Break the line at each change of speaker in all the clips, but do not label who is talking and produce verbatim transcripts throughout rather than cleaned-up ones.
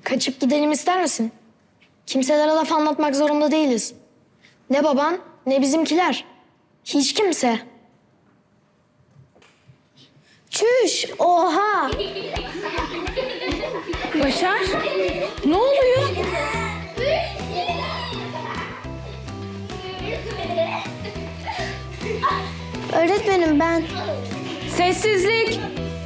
Kaçıp gidelim ister misin? Kimselere laf anlatmak zorunda değiliz. Ne baban ne bizimkiler. Hiç kimse. Çüş! Oha!
Başar, ne oluyor?
Öğretmenim ben.
Sessizlik.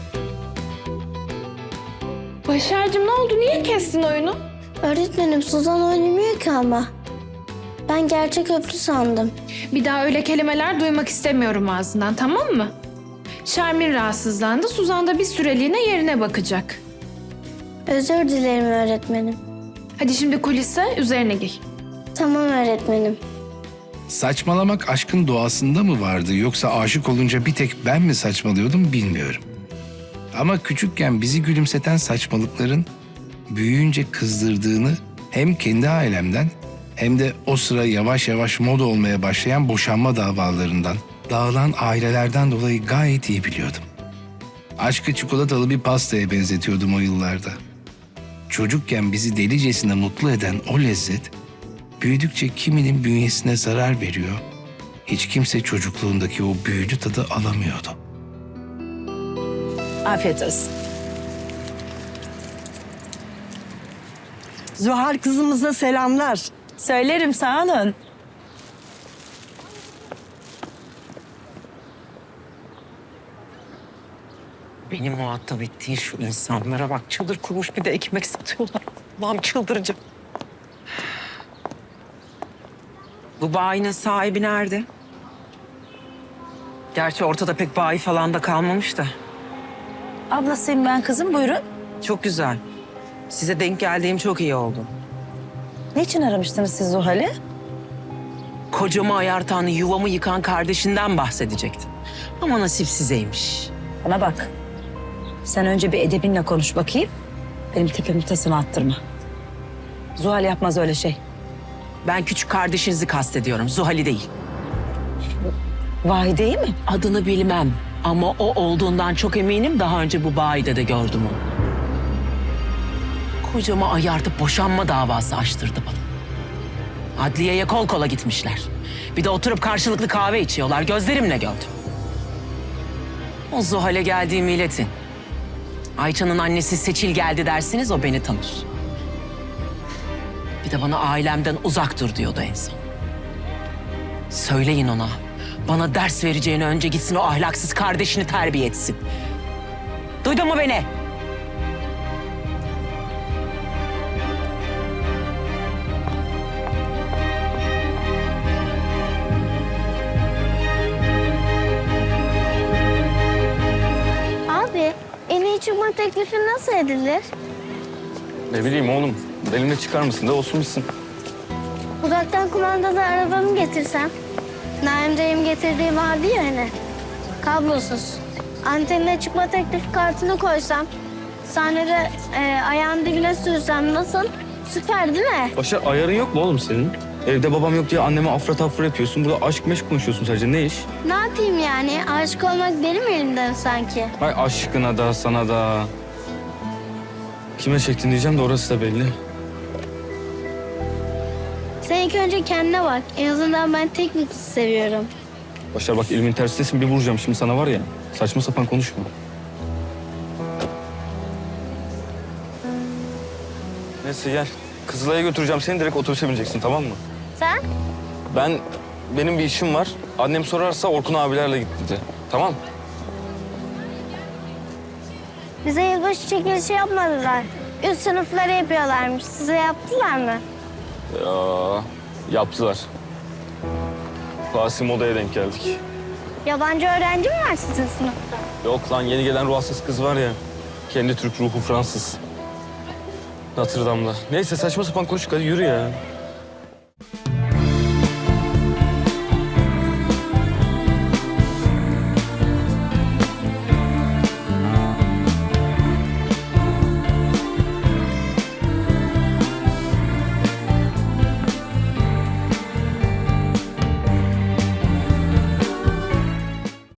Başar'cığım ne oldu? Niye kestin oyunu?
Öğretmenim Suzan oynamıyor ki ama. Ben gerçek öptü sandım.
Bir daha öyle kelimeler duymak istemiyorum ağzından, tamam mı? Şermin rahatsızlandı. Suzan da bir süreliğine yerine bakacak.
Özür dilerim öğretmenim.
Hadi şimdi kulise, üzerine giy.
Tamam öğretmenim.
Saçmalamak aşkın doğasında mı vardı yoksa aşık olunca bir tek ben mi saçmalıyordum bilmiyorum. Ama küçükken bizi gülümseten saçmalıkların büyüyünce kızdırdığını hem kendi ailemden hem de o sıra yavaş yavaş moda olmaya başlayan boşanma davalarından, dağılan ailelerden dolayı gayet iyi biliyordum. Aşkı çikolatalı bir pastaya benzetiyordum o yıllarda. Çocukken bizi delicesine mutlu eden o lezzet, büyüdükçe kiminin bünyesine zarar veriyor, hiç kimse çocukluğundaki o büyülü tadı alamıyordu.
Afiyet olsun. Zuhal kızımıza selamlar. Söylerim, sağ olun.
Beni muhatap ettiğin şu insanlara bak, çıldır kurmuş bir de ekmek satıyorlar. Allah'ım çıldıracağım. Bu bayinin sahibi nerede? Gerçi ortada pek bayi falan da kalmamış da.
Ablasıyım ben kızım, buyurun.
Çok güzel. Size denk geldiğim çok iyi oldu.
Niçin aramıştınız siz Zuhal'i?
Kocamı ayartan, yuvamı yıkan kardeşinden bahsedecektim. Ama nasip sizeymiş.
Bana bak. Sen önce bir edebinle konuş bakayım. Benim tepemi tasımı attırma. Zuhal yapmaz öyle şey.
Ben küçük kardeşinizi kastediyorum, Zuhal'i değil.
Vahide'yi mi?
Adını bilmem ama o olduğundan çok eminim. Daha önce bu bayide de gördüm onu. Kocamı ayartıp boşanma davası açtırdı bana. Adliyeye kol kola gitmişler. Bir de oturup karşılıklı kahve içiyorlar. Gözlerimle gördüm. O Zuhal'e geldiğimi iletin. Ayça'nın annesi Seçil geldi dersiniz, o beni tanır. Bir de bana ailemden uzak dur diyordu en son. Söyleyin ona. Bana ders vereceğine önce gitsin o ahlaksız kardeşini terbiye etsin. Duydun mu beni?
Abi en iyi çıkma teklifi nasıl edilir?
Ne bileyim oğlum. Elimle çıkar mısın da olsun bitsin.
Uzaktan kumandalı arabamı getirsem. Naim dayım getirdiği vardı ya hani. Kablosuz. Antenine çıkma teklif kartını koysam. Sahnede e, ayağın dibine sürsem nasıl? Süper değil mi?
Başar ayarın yok mu oğlum senin? Evde babam yok diye anneme afra tafra yapıyorsun. Burada aşk meşk konuşuyorsun sadece. Ne iş?
Ne yapayım yani? Aşık olmak benim elimden sanki.
Ay aşkına da sana da. Kime çektin diyeceğim de orası da belli.
Sen ilk önce kendine bak. En azından ben tek bir kızı seviyorum.
Başar bak elimin tersidesin, bir vuracağım şimdi sana var ya. Saçma sapan konuşma. Neyse gel. Kızılay'a götüreceğim seni, direkt otobüse bineceksin, tamam mı?
Sen?
Ben, benim bir işim var. Annem sorarsa Orkun abilerle git dedi. Tamam mı?
Bize yılbaşı çekilişi yapmadılar. Üst sınıfları yapıyorlarmış. Size yaptılar mı?
Ya, yaptılar. Rasim odaya denk geldik.
Yabancı öğrenci mi var sizin sınıfta?
Yok lan, yeni gelen ruhsuz kız var ya. Kendi Türk ruhu Fransız. Notre Dame'da. Neyse saçma sapan konuştuk, hadi yürü ya.